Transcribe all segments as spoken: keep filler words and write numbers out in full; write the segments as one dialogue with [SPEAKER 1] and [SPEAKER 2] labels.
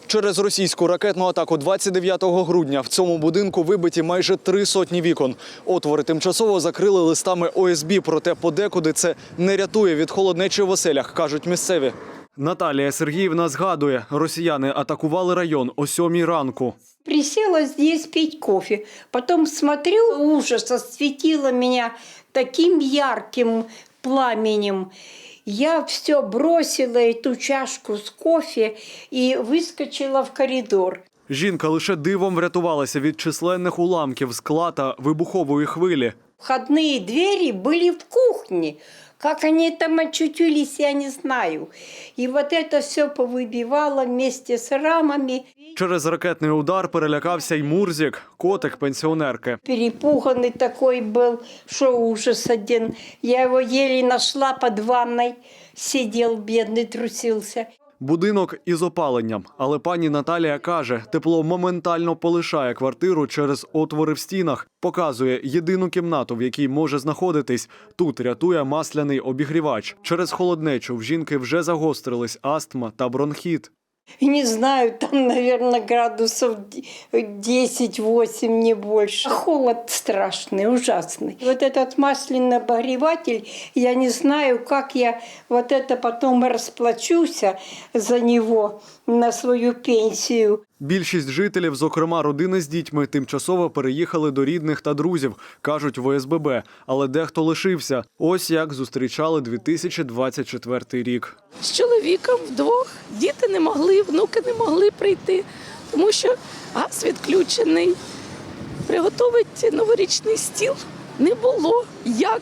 [SPEAKER 1] Через російську ракетну атаку двадцять дев'ятого грудня в цьому будинку вибиті майже три сотні вікон. Отвори тимчасово закрили листами О С Б, проте подекуди це не рятує від холоднечі в оселях, кажуть місцеві. Наталія Сергіївна згадує, росіяни атакували район о сьомій ранку.
[SPEAKER 2] Присела здесь пить кофе. Потом смотрю, ужас осветило меня таким ярким пламенем. Я все бросила, эту чашку с кофе, и выскочила в коридор.
[SPEAKER 1] Жінка лише дивом врятувалася від численних уламків скла та вибухової хвилі.
[SPEAKER 2] Входные двери были в кухне. Как они там очутились, я не знаю. И вот это все повыбивало вместе с рамами.
[SPEAKER 1] Через ракетний удар перелякався й Мурзік, котик пенсіонерки.
[SPEAKER 2] Перепуганный такой был, что ужас один. Я его еле нашла под ванной. Сидел, бедный, трусился.
[SPEAKER 1] Будинок із опаленням, але пані Наталія каже, тепло моментально полишає квартиру через отвори в стінах. Показує єдину кімнату, в якій може знаходитись. Тут рятує масляний обігрівач. Через холоднечу в жінки вже загострились астма та бронхіт.
[SPEAKER 2] Не знаю, там, наверное, градусов десять-восемь, не больше. Холод страшный, ужасный. Вот этот масляный обогреватель, я не знаю, как я вот это потом расплачусь за него на свою пенсию.
[SPEAKER 1] Більшість жителів, зокрема родини з дітьми, тимчасово переїхали до рідних та друзів, кажуть в О С Б Б. Але дехто лишився. Ось як зустрічали дві тисячі двадцять четвертий рік.
[SPEAKER 3] З чоловіком вдвох. Діти не могли, внуки не могли прийти, тому що газ відключений. Приготувати новорічний стіл не було. Як?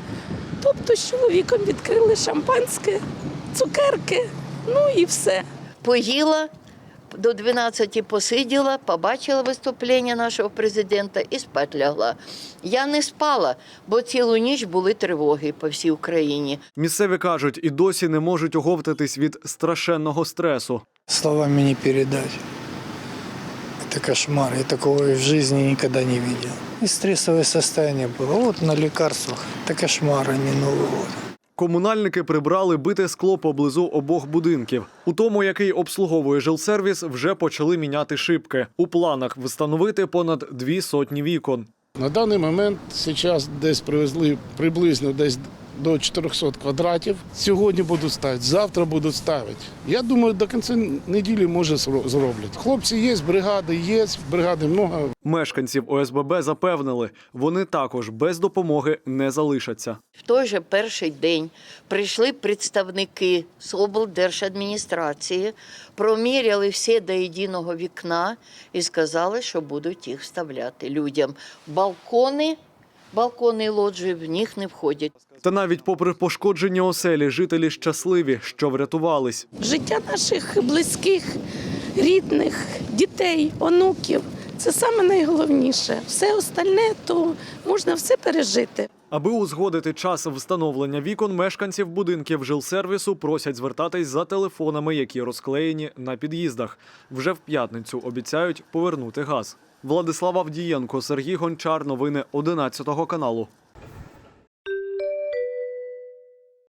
[SPEAKER 3] Тобто з чоловіком відкрили шампанське, цукерки, ну і все.
[SPEAKER 4] Поїла, до дванадцяти посиділа, побачила виступлення нашого президента і спать лягла. Я не спала, бо цілу ніч були тривоги по всій Україні.
[SPEAKER 1] Місцеві кажуть, і досі не можуть оговтатись від страшенного стресу.
[SPEAKER 5] Словами не передать. Это кошмар. Я такого и в жизни никогда не видел. И стрессовое состояние было. Вот на лекарствах. Это кошмар, а не Новый год.
[SPEAKER 1] Комунальники прибрали бите скло поблизу обох будинків. У тому, який обслуговує жилсервіс, вже почали міняти шибки. У планах встановити понад дві сотні вікон.
[SPEAKER 6] На даний момент зараз десь привезли приблизно десь до чотирьохсот квадратів. Сьогодні будуть ставити, завтра будуть ставити. Я думаю, до кінця неділі, може, зроблять. Хлопці є, бригади є, бригади багато.
[SPEAKER 1] Мешканців О С Б Б запевнили, вони також без допомоги не залишаться.
[SPEAKER 4] В той же перший день прийшли представники з облдержадміністрації, проміряли всі до єдиного вікна і сказали, що будуть їх вставляти людям. Балкони, балкони і лоджії в них не входять.
[SPEAKER 1] Та навіть попри пошкоджені оселі, жителі щасливі, що врятувались.
[SPEAKER 3] Життя наших близьких, рідних, дітей, онуків – це саме найголовніше. Все остальне, то можна все пережити.
[SPEAKER 1] Аби узгодити час встановлення вікон, мешканців будинків жилсервісу просять звертатись за телефонами, які розклеєні на під'їздах. Вже в п'ятницю обіцяють повернути газ. Владислав Авдієнко, Сергій Гончар. Новини одинадцятого каналу.